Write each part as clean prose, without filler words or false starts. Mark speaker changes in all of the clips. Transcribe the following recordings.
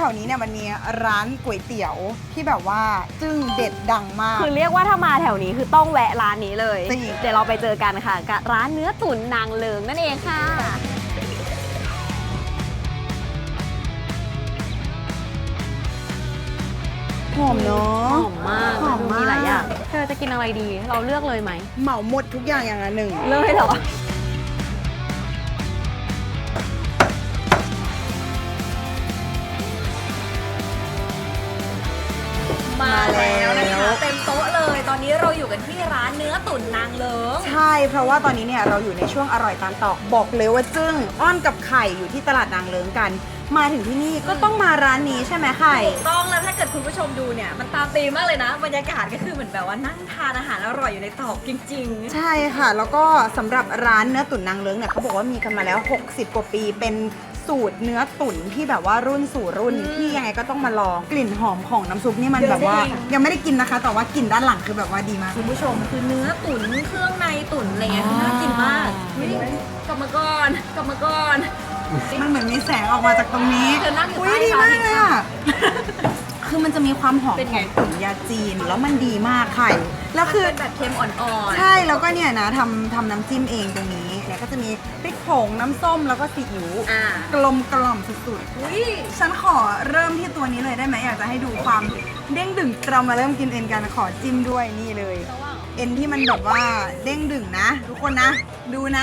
Speaker 1: วนี้เนี่ยมันมีร้านก๋วยเตี๋ยวที่แบบว่าจึ้งเด็ดดังมาก
Speaker 2: คือเรียกว่าถ้ามาแถวนี้คือต้องแวะร้านนี้เลย
Speaker 1: จริง
Speaker 2: เดี๋ยวเราไปเจอกันค่ะกับร้านเนื้อตุ๋นนางเลิงนั่นเองค่ะ
Speaker 1: หอมเนาะ
Speaker 2: หอมมาก
Speaker 1: หอมมาก
Speaker 2: มีหลายอย่างเธอจะกินอะไรดีเราเลือกเลยไหม
Speaker 1: เหมาหมดทุกอย่างอย่างละหนึ่ง
Speaker 2: เลยเหรอมาแล้วนะคะเต็มโต๊ะเลยตอนนี้เราอยู่กันที่ร้านเนื้อตุ๋นนางเลิง
Speaker 1: ใช่เพราะว่าตอนนี้เนี่ยเราอยู่ในช่วงอร่อยตามตอกบอกเลยว่าจึ้งอ้อนกับไข่อยู่ที่ตลาดนางเลิ้งกัน มาถึงที่นี่ก็ต้องมาร้านนี้ใช่ไหมไข่
Speaker 2: ถูกต้องแล้วถ้าเกิดคุณผู้ชมดูเนี่ยมันตามธีมมากเลยนะบรรยากาศก็คือเหมือนแบบว่านั่งทานอาหารอร่อยอยู่ในตอกจริงๆ
Speaker 1: ใช่ค่ะ แล้วก็สำหรับร้านเนื้อตุ๋นนางเลิ้งเนี่ยเขาบอกว่ามีกันมาแล้ว 60 กว่าปีเป็นสูตรเนื้อตุ๋นที่แบบว่ารุ่นสู่รุ่นที่ยังไงก็ต้องมาลองกลิ่นหอมของน้ำซุปนี่มันแบบว่า
Speaker 2: จริง
Speaker 1: ยังไม่ได้กินนะคะ แต่ว่ากลิ่นด้านหลังคือแบบว่าดีมาก
Speaker 2: คุณผู้ชมคือเนื้อตุ๋นเครื่องในตุ๋นอะไรเงี้ยคือน่ากินมากอุ๊ยกลับมาก่อนกลับมาก่อน
Speaker 1: มันเหมือนมีแสงออกมาจากตรงนี้
Speaker 2: เธอนั่งอยู่
Speaker 1: อุ้ย
Speaker 2: ใต้
Speaker 1: ดีมากเลย
Speaker 2: ค่ะ
Speaker 1: อ่ะ คือมันจะมีความหอม
Speaker 2: เป็น
Speaker 1: ข
Speaker 2: ไง
Speaker 1: องตุ๋นยาจีนแล้วมันดีมากไข่แล้วคือ
Speaker 2: เป็นแบบเค็มอ่อน
Speaker 1: ใช่แล้วก็เนี่ยนะทำน้ำจิ้มเองตรงนี้เนี่ยก็จะมีพริกผงน้ำส้มแล้วก็ซีอิ๊ว
Speaker 2: ๆอ่าก
Speaker 1: ลมกล่อมสุด
Speaker 2: อุ้ย
Speaker 1: ๆฉันขอเริ่มที่ตัวนี้เลยได้ไหมอยากจะให้ดูความเด้งดึงเรามาเริ่มกินเอ็นกันขอจิ้มด้วยนี่เลย เอ็นที่มันแบบว่าเด้งดึงนะ ทุกคนนะ ดูนะ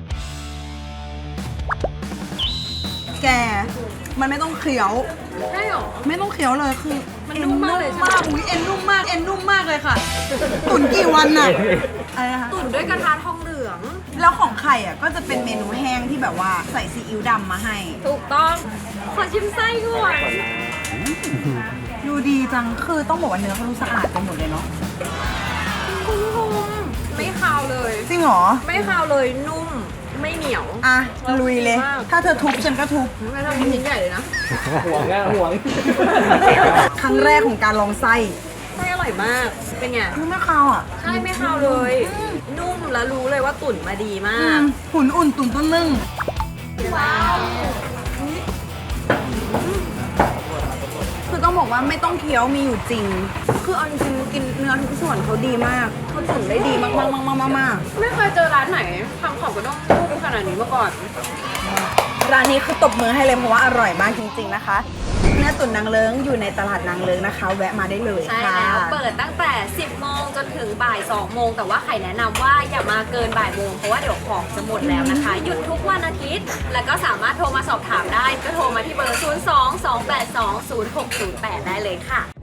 Speaker 1: แกมันไม่ต้องเคี้ยว
Speaker 2: ใช่หรอ
Speaker 1: ไม่ต้องเคี้ยวเลยคือ
Speaker 2: มันนุ่มมากเลยใช่ไหม
Speaker 1: อุ้ยเอ็นนุ่มมากเอ็นนุ่มมากเลยค่ะ ตุ๋นกี่วันน่ะอะไรนะคะ
Speaker 2: ตุ๋นด้วยกระทะทองเหลือง
Speaker 1: แล้วของไข่อ่ะก็จะเป็นเมนูแห้งที่แบบว่าใส่ซีอิ๊วดำมาให้
Speaker 2: ถูกต้องขอชิมไส้ก่อน
Speaker 1: ดูดีจังคือต้องบอกว่าเนื้อเขาดูสะอาดไปหมดเลยเนาะ
Speaker 2: คุณผู้ชมไม่คาวเลย
Speaker 1: จริงเหรอ
Speaker 2: ไม่คาวเลยนุ่มไม่เหนียว
Speaker 1: อ่ะลุยเลย
Speaker 2: มาก
Speaker 1: ถ้าเธอทุบฉันก็ทุบ
Speaker 2: ไม่ต้องกินชิ้นใหญ่เลยนะ
Speaker 3: ห่วงอะห่วง
Speaker 1: ครั้งแรกของการลองไส้
Speaker 2: ไส้อร่อยมาก เป็นไง
Speaker 1: คือไม่คาวอ่ะ
Speaker 2: ใช่ไม่คาวเลย นุ่มแล้วรู้เลยว่าตุ๋นมาดีมา
Speaker 1: อื
Speaker 2: ก
Speaker 1: มหุ่นอุ่นตุ๋นต้นนึ่ง
Speaker 2: ว้าว
Speaker 1: คือต้องบอกว่าไม่ต้องเคี้ยวมีอยู่จริง คือเอาจริงๆกินเนื้อทุกส่วนเขาดีมากเขาตุ๋นได้ดีมากๆๆๆๆ
Speaker 2: ไม่เคยเจอร้านไหนทำของกระด้งนุ่มขนาดนี้มาก่อน
Speaker 1: ร้านนี้คือตบมือให้เลยเพราะว่าอร่อยมากจริงๆนะคะ เนื้อตุ๋นนางเลิ้งอยู่ในตลาดนางเลิ้งนะคะ แวะมาได้เลย
Speaker 2: ใช่
Speaker 1: ค่ะ
Speaker 2: แล้วเปิดตั้งแต่ 10 โมงจนถึงบ่าย 2 โมง แต่ว่าไข่แนะนำว่าอย่ามาเกินบ่ายโมงเพราะว่าเดี๋ยวของจะหมดแล้วนะคะ หยุดทุกวันอาทิตย์ แล้วก็สามารถโทรมาสอบถามได้ ก็โทรมาที่เบอร์ 02-282-0608 ได้เลยค่ะ